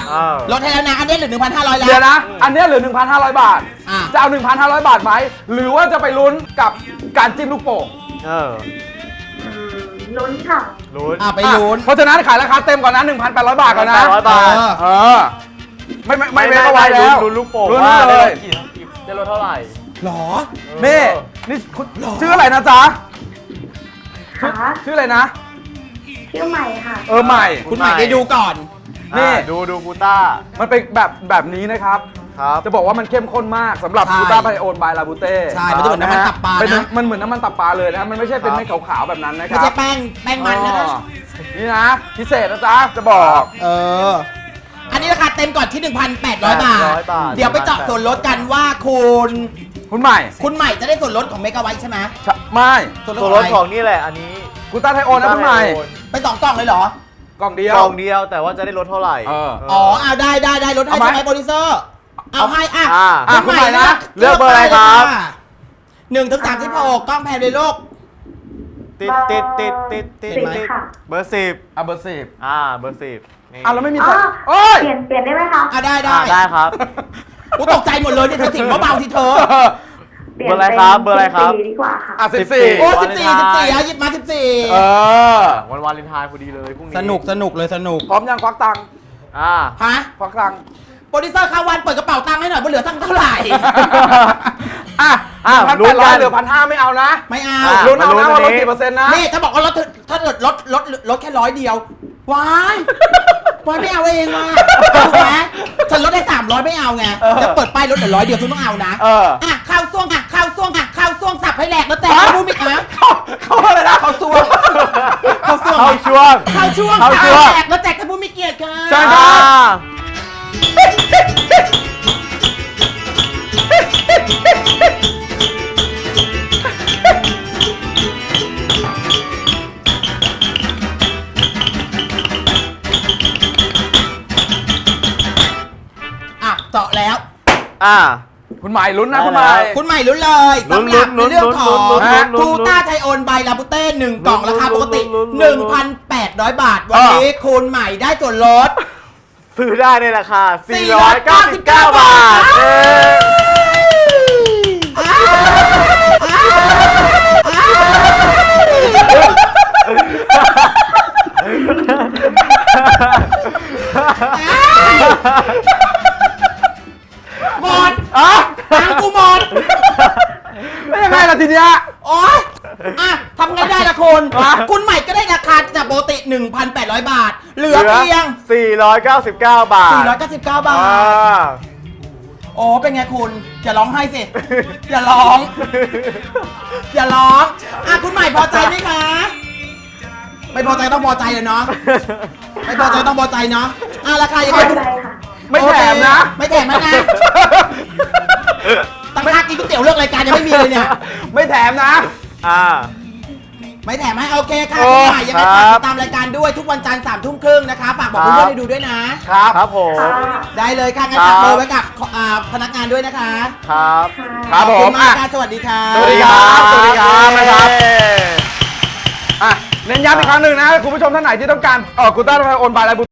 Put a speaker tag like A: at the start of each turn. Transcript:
A: ลดให้แล้วนะอันนี้เหลือ 1,500 แล้ว
B: เดี๋ยวนะอันนี้เหลือ 1,500 บาทจะเอา 1,500 บาทไหมหรือว่าจะไปลุ้นกับการจิ้มลูกโป่ง
C: ลุ้นค่ะ
D: ลุ้น
A: ไปลุ้น
B: เพราะฉะนั้นขายราคาเต็มก่อนนะ 1,800 บาทก่อนนะ
D: 1,800 บาท
B: ไม่เว้นเอาไว้แล้ว
D: ลุ้นลูกโป่ง
B: ลุ้น
D: ว่า
B: เลย
D: ได้ลดเท่าไหร่
A: หรอ
B: นี่ชื่ออะไรนะจ๊ะชื่ออะไรนะ
C: ชื่อใหม่ค่ะ
B: ใหม่
A: คุณใหม่ได้ดูก่อน
B: นี่
D: ดูกูต้า
B: มันเป็นแบบนี้นะครับจะบอกว่ามันเข้มข้นมากสำหรับกูต้าไพโอนบายลาบูเต้
A: ใช่มันจะเหมือนน้ำมันตับปลานะ
B: มันเหมือนน้ำมันตับปลาเลยนะมันไม่ใช่เป็นเม็ดขาวๆแบบนั้นนะครับ
A: ไม่ใช่แป้งมันนะครับ
B: นี่นะพิเศษนะจ๊ะจะบอก
A: อันนี้ราคาเต็มก่อนที่ 1,800 บาทเดี๋ยวไปเจาะส่วนลดกันว่าคุณ
B: ใหม่
A: จะได้ส่วนลดของเมกะไวท์ใช่ไหม
B: ไม่
D: ส่วนลดของนี่แหละอันนี้
B: กูต้าไทโอนนะคุณใหม่
A: ไป2 กล่องเลยเหร
B: อกล่องเดี
D: ยวแต่ว่าจะได้ลดเท่าไหร่
A: เอาได้ลดให้ใช่ไหมโปรดิวเซอร์เอาให้
B: คุณใหม่นะ
D: เลือกเบอร์อะไรครับ
A: 1 ถึง 36กล้องแพนเลยลูก
D: ติดเบอร์ 10
B: เบอร์ 10
D: เบอร์ 10
B: แล้วไม่มี
C: เปลี่ยนได้ไหมคะ
A: ได้
D: ครับ
A: กูตกใจหมดเลยเนี่ยเธอสิ่งเบาๆที่เธอ
D: เบอร์อะไรครับ
C: ดีกว่าค่ะ
B: 14
A: โอ้14หยิบมา14
D: วันวาเลนไทน์พอดีเลยพรุ่งนี้
A: สนุกเลย
B: พร้อมยังควักตังค์ควักตังค์
A: โปรดิวเซอร์ข้าวันเปิดกระเป๋าตังค์ให้หน่อยว่าเหลือตั้งเท่าไหร่
B: 1,800เหลือ 1,500ไม่เอานะ
A: ไม่เอา
B: ลุ้นเอานะว่าลดกี่เปอร์เซ็นต์นะ
A: นี่ถ้าบอกว่าถ้าเกิดลดแค่100 เดียววายไม่เอาเองว่ะถูกไหมฉันลดได้300ไม่เอาไงจะเปิดป้ายลดเหลือ100 เดียวฉันต้องเอานะข้าวซ่วงสับให้แหลกแล้วแต่รู้ไหมคะ
B: เขาอะไรนะ
A: ข้าวซ่วงแหลกแล้วแจกท่านผู้มีเกียรติค่ะ
B: ใช่ครับ
A: เจาะแล้ว
B: คุณใหม่ลุ้นนะคุณใหม่
A: ลุ้นเลยสำหรับในเรื่องของกูต้าไทโอนใบลาบูเต้1 กล่องราคาปกติ 1,800 บาทวันนี้คุณใหม่ได้ส่วนลด
D: ซื้อได้ในราคา499 บาท
A: หมดตังกูหมด
B: ไม่ยังไงล่ะทีเนี้ย
A: ทำไงได้ล่ะคุณใหม่ก็ได้ราคาจากปกติ 1,800 บาทเหลือเพียง
D: 499 บาท
A: เป็นไงคุณอย่าร้องไห้สิอย่าร้องคุณใหม่พอใจไหมคะไม่พอใจต้องพอใจเลยเนาะไม่พอใจต้องพอใจเนาะราคายังไง
B: ไม่แถมนะ
A: ตั้งค่ากินก๋วยเตี๋ยวเลือกรายการยังไม่มีเลยเนี่ย
B: ไม่แถมนะ
A: ไม่แถมให้โอเคค่ะคุณใหม่ยังไงฝากติดตามรายการด้วยทุกวันจันทร์3:30นะคะฝากบอกเพื่อนๆให้ดูด้วยนะครับ
D: ผม
A: ได้เลยค่ะงั้นฝากเบอร์ไว้กับพนักงานด้วยนะคะ
B: ครับผม
A: สวัสดีค่ะ
B: สวัสดีครับเน้นย้ำอีกครั้งหนึ่งนะคุณผู้ชมท่านไหนที่ต้องการกูต้าไทโอนบายลาบู